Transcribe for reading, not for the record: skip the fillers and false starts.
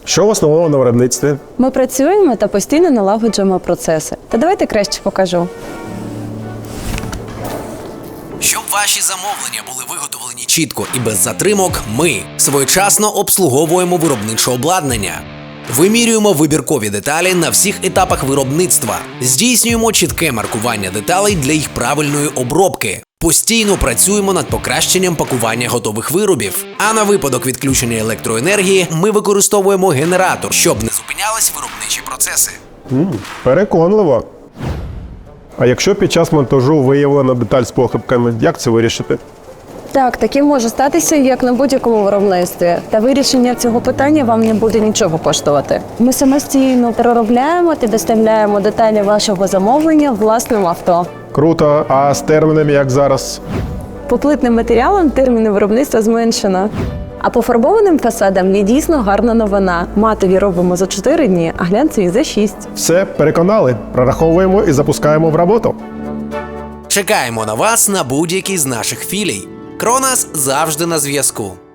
Що в основному на виробництві? Ми працюємо та постійно налагоджуємо процеси. Та давайте краще покажу. Щоб ваші замовлення були виготовлені чітко і без затримок, ми своєчасно обслуговуємо виробниче обладнання. Вимірюємо вибіркові деталі на всіх етапах виробництва, здійснюємо чітке маркування деталей для їх правильної обробки. Постійно працюємо над покращенням пакування готових виробів. А на випадок відключення електроенергії ми використовуємо генератор, щоб не зупинялись виробничі процеси. Переконливо. А якщо під час монтажу виявлена деталь з похибками, як це вирішити? Так, таке може статися, як на будь-якому виробництві. Та вирішення цього питання вам не буде нічого коштувати. Ми самостійно переробляємо та доставляємо деталі вашого замовлення власним авто. Круто, а з термінами як зараз? По плитним матеріалам терміни виробництва зменшено. А по фарбованим фасадам є дійсно гарна новина. Матові робимо за 4 дні, а глянцеві за 6. Все, переконали. Прораховуємо і запускаємо в роботу. Чекаємо на вас на будь-якій з наших філій. Кронас завжди на зв'язку.